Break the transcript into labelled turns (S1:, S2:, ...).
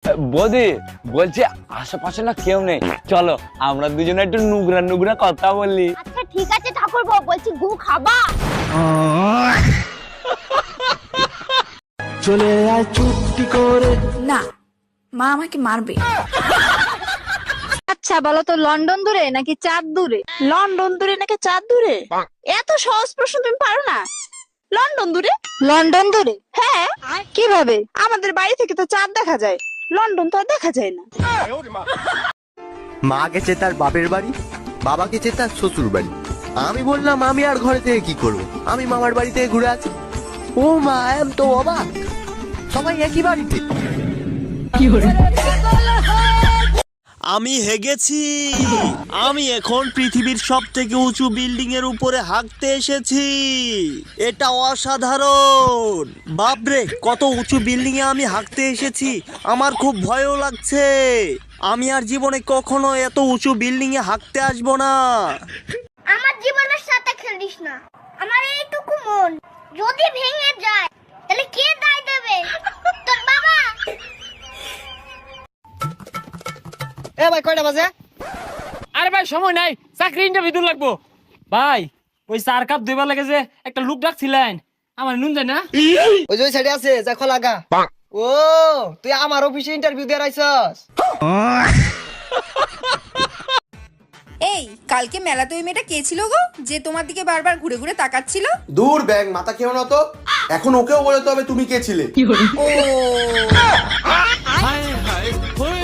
S1: বৌদি বলছি আশেপাশে না কেউ নেই, চলো আমরা দুজনে একটু নুগরা নুগরা কথা বলি।
S2: আচ্ছা ঠিক আছে ঠাকুরপো, বলছি গু খাবা?
S3: চলে আয় চুপটি করে।
S4: না, মা আমাকে মারবে।
S2: আচ্ছা বলো তো, লন্ডন দূরে নাকি চাঁদ দূরে?
S4: লন্ডন দূরে নাকি চাঁদ দূরে? এত সহজ প্রশ্ন তুমি পারো না? লন্ডন দূরে।
S2: লন্ডন দূরে?
S4: হ্যাঁ।
S2: কিভাবে?
S4: আমাদের বাড়ি থেকে তো চাঁদ দেখা যায়, লন্ডন তো আর দেখা যায় না।
S5: মা গেছে তার বাপের বাড়ি, বাবা গেছে তার শ্বশুর বাড়ি। আমি বললাম আমি আর ঘরে থেকে কি করব, আমি মামার বাড়ি থেকে ঘুরে আছি। ও মা, এম তো অবাক, সবাই একই বাড়িতে।
S6: আমি হেগেছি, আমি এখন পৃথিবীর সব থেকে উঁচু বিল্ডিং এর উপরে হাঁকতে এসেছি। এটা অসাধারণ। বাপরে, কত উঁচু বিল্ডিং এ আমি হাঁকতে এসেছি, আমার খুব ভয়ও লাগছে। আমি আর জীবনে কখনো এত উঁচু বিল্ডিং এ হাঁকতে আসবো না।
S2: আমার জীবনের সাথে খেলিস না, আমার এইটুকু মন যদি ভেঙে যায় তাহলে কে দায় দেবে? তোর বাবা।
S7: এ ভাই কয়টা বাজে?
S8: আরে ভাই সময় নাই, চাকরি ইন্টারভিউ লাগবো। ভাই ওই 4 কাপ দুইবার লাগে যে একটা লোক ডাকছিলেন, আমার নুন যায় না।
S7: ওই যে ওই সাইডে আছে, যা খোলা গা। ও তুই আমার অফিসে ইন্টারভিউ দিয়ে আইছস?
S4: এই কালকে মেলাতে ওই মেয়েটা কে ছিল গো, যে তোমার দিকে বারবার ঘুরে ঘুরে তাকাচ্ছিল?
S9: দূর ব্যাং, মাথা খেও না তো। এখন ওকেও বলতে হবে তুমি কে ছিলে।
S4: ও
S8: হায় হায়